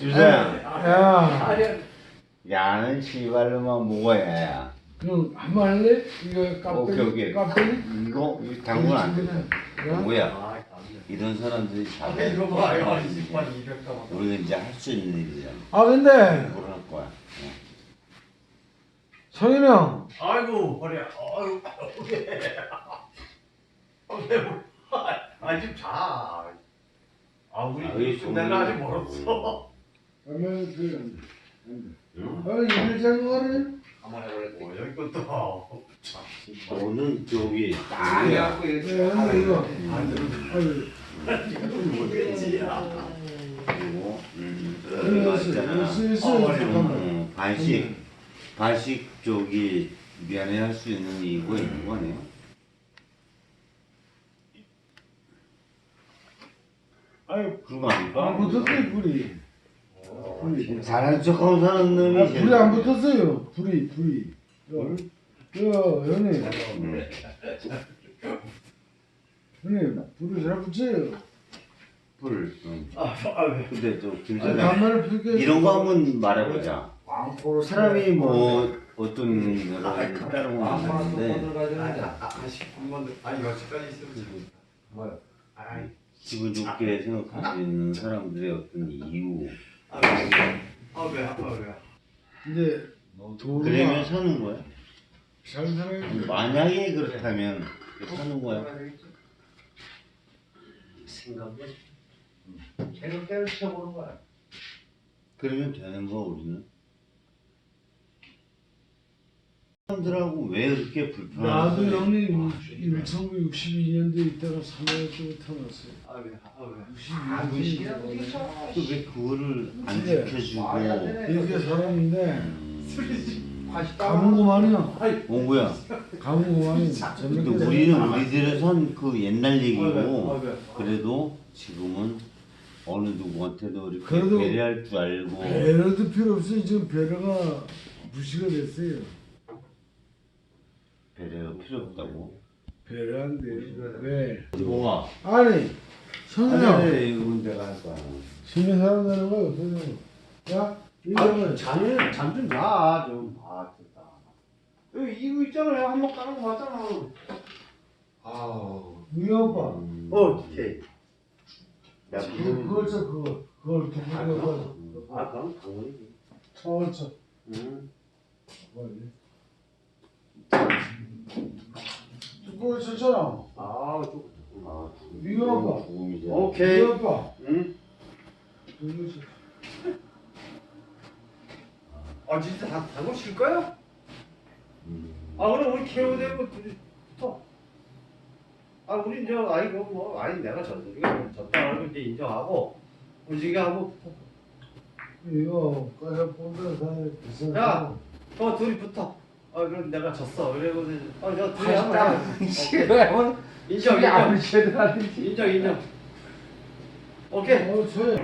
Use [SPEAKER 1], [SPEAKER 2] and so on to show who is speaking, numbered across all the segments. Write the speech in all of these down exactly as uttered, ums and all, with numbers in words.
[SPEAKER 1] 주사야.
[SPEAKER 2] 야,
[SPEAKER 1] 야는 씨발로만 먹어야 야.
[SPEAKER 2] 그럼 한번 할래? 이거 카페,
[SPEAKER 1] 오케이, 오케이.
[SPEAKER 2] 카페?
[SPEAKER 1] 이거 이거 당분 안 돼.
[SPEAKER 2] 야?
[SPEAKER 1] 뭐야? 이런 사람들이
[SPEAKER 3] 아,
[SPEAKER 1] 잘해.
[SPEAKER 3] 이거 봐요. 이십만 이백 가만.
[SPEAKER 1] 우리가 이제 할 수 있는 일이잖아.
[SPEAKER 2] 아, 근데
[SPEAKER 1] 뭘 할 거야? 어.
[SPEAKER 2] 성현이 형,
[SPEAKER 3] 아이고 허리야. 아이고 왜? 아, 왜? 뭐- 아, 좀 자. 아, 우리
[SPEAKER 1] 아, 왜
[SPEAKER 3] 끝날 아직
[SPEAKER 1] 손을-
[SPEAKER 3] 멀었어.
[SPEAKER 2] 그러면 그,
[SPEAKER 1] 응?
[SPEAKER 2] 아, 일을 잘 먹어라.
[SPEAKER 3] 가만히 원래 뭐 여기 것도.
[SPEAKER 1] 너는 저기
[SPEAKER 3] 아,
[SPEAKER 1] 야
[SPEAKER 3] 해갖고
[SPEAKER 2] 네,
[SPEAKER 3] 이렇게
[SPEAKER 2] 근데 이거,
[SPEAKER 3] 안 들어도
[SPEAKER 2] 아유,
[SPEAKER 3] 뭐겠지.
[SPEAKER 1] 그리고 음,
[SPEAKER 2] 이거 있어,
[SPEAKER 1] 맞잖아.
[SPEAKER 2] 이거 있어, 있어,
[SPEAKER 3] 어, 맞아.
[SPEAKER 2] 잠깐만.
[SPEAKER 1] 음, 반씩 반씩 저기 미안해 할 수 있는 이유가 있는 거네요.
[SPEAKER 2] 아유,
[SPEAKER 1] 그런 거 아닐까?
[SPEAKER 2] 안 붙었어요, 불이. 불이.
[SPEAKER 1] 잘하는 척하고 사는 놈이
[SPEAKER 2] 아,
[SPEAKER 1] 제일
[SPEAKER 2] 불이 안 붙었어요, 불이, 불이. 요, 요, 형님,
[SPEAKER 1] 음.
[SPEAKER 2] 형님, 불을 잘 붙여요.
[SPEAKER 1] 불. 응.
[SPEAKER 3] 아, 아, 왜?
[SPEAKER 1] 근데 저
[SPEAKER 2] 아,
[SPEAKER 1] 김사장
[SPEAKER 2] 반말을 펴게.
[SPEAKER 1] 이런 거 한번 말해보자.
[SPEAKER 3] 왕포로
[SPEAKER 1] 사람이 뭐 어떤 여러 가지 다른 건 있는데
[SPEAKER 3] 아, 아, 한번 아니 여기까지 있으면 뭐야? 아이,
[SPEAKER 1] 기분 좋게 생각할 수 있는 사람들의 어떤 이유.
[SPEAKER 3] 아, 왜? 아, 왜? 아, 왜?
[SPEAKER 2] 이제, 도로가
[SPEAKER 1] 그러면 사는 거야?
[SPEAKER 2] 잘 살아야
[SPEAKER 1] 만약에 그렇다면 사는 거야?
[SPEAKER 3] 생각을 생각대로 쳐보는 거야.
[SPEAKER 1] 그러면 되는 거 우리는? 사람들하고 왜 그렇게 불편한지.
[SPEAKER 2] 나도 형님 천구백육십이 년도에 있다가 삼월쯤에 태어났어요.
[SPEAKER 3] 아, 왜? 아, 왜?
[SPEAKER 2] 아, 무식이라고
[SPEAKER 1] 왜 그거를 안
[SPEAKER 2] 근데
[SPEAKER 1] 지켜주고.
[SPEAKER 2] 이렇게 살았는데
[SPEAKER 1] 음,
[SPEAKER 2] 가문고만이요.
[SPEAKER 1] 뭐야?
[SPEAKER 2] 가문고만이
[SPEAKER 1] 근데 우리는 우리들의 선 그 옛날
[SPEAKER 3] 아,
[SPEAKER 1] 얘기고
[SPEAKER 3] 왜?
[SPEAKER 1] 그래도 지금은 어느 누구한테도 이렇게
[SPEAKER 2] 그래도
[SPEAKER 1] 배려할 줄 알고.
[SPEAKER 2] 배려도 필요 없어요. 지금 배려가 무시가 됐어요.
[SPEAKER 1] 배려가 필요 없다고.
[SPEAKER 2] 배려한대요. 왜?
[SPEAKER 1] 뭐가?
[SPEAKER 2] 아니 성현아
[SPEAKER 1] 이건 내가 할 거야.
[SPEAKER 2] 시민 사람 되는 거야 어떠냐고. 야
[SPEAKER 3] 아,
[SPEAKER 2] 이거는
[SPEAKER 3] 잠을 잠좀 자, 좀. 아, 됐다. 여기 이거 있잖아요. 한번 까는 거 봤잖아. 아우.
[SPEAKER 2] 우리 오빠
[SPEAKER 1] 음.
[SPEAKER 3] 오케이.
[SPEAKER 1] 야,
[SPEAKER 2] 그- 그걸 쳐 그거 그걸 두고 그거
[SPEAKER 3] 아, 그럼 당연히지.
[SPEAKER 2] 청을 쳐.
[SPEAKER 3] 응.
[SPEAKER 2] 그걸 쳤잖아.
[SPEAKER 3] 아, 좀.
[SPEAKER 1] 아,
[SPEAKER 2] 이거 봐.
[SPEAKER 1] 죽음이지.
[SPEAKER 3] 오케이.
[SPEAKER 2] 우리 오빠
[SPEAKER 3] 응.
[SPEAKER 2] 그걸 쳐.
[SPEAKER 3] 아, 진짜 다 당고 칠 거야?
[SPEAKER 1] 음.
[SPEAKER 3] 아, 그럼 우리 케어 되고 둘이 붙어. 아, 우리 이제 아이 뭐 아니 내가 졌 우리가 졌다고 이제 인정하고 움직이하고 붙어.
[SPEAKER 2] 이거 까서 본다 사람 비싼
[SPEAKER 3] 야! 어, 둘이 붙어. 아, 그럼 내가 졌어. 그리고 어, 저 둘이 한번 해. 오케이.
[SPEAKER 2] 싫어요.
[SPEAKER 3] 인정,
[SPEAKER 2] 집에 안
[SPEAKER 3] 인정.
[SPEAKER 2] 미쳐들어가든지.
[SPEAKER 3] 인정, 인정. 오케이.
[SPEAKER 2] 어, 저요.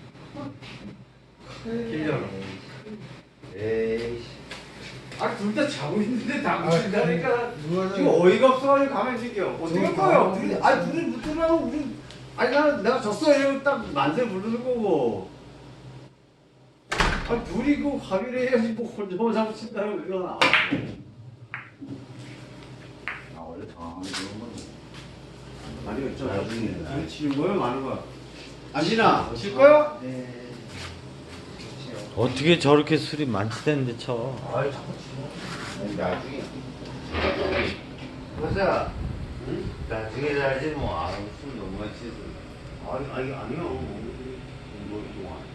[SPEAKER 3] 인정. 에이씨. 아, 둘 다 자고 있는데 다 붙인다니까.
[SPEAKER 2] 누가
[SPEAKER 3] 지금 어이가 없어가지고 가만히 있을게요. 어떻게 할 거예요? 둘이, 아니, 둘이 붙으라고, 우리. 아니, 나는 내가 졌어. 이러고 딱 만세 부르는 거고. 아니, 둘이 그 합의를 해야지, 뭐, 혼자 붙인다고, 이건. 아, 아, 원래 당황하는 그런 거지. 아니, 어쩌
[SPEAKER 1] 나중에.
[SPEAKER 3] 둘이 치는 거예요? 마는 거야? 안진아, 칠 거야?
[SPEAKER 4] 어떻게 저렇게 술이 많지 않는데 쳐?
[SPEAKER 3] 아이, 자꾸 치지 마.
[SPEAKER 1] 나중에.
[SPEAKER 3] 보자.
[SPEAKER 1] 응? 나중에 살지 뭐. 아우 술 너무 많이 취해서.
[SPEAKER 3] 아니, 아니, 아니요.
[SPEAKER 1] 뭐 동안.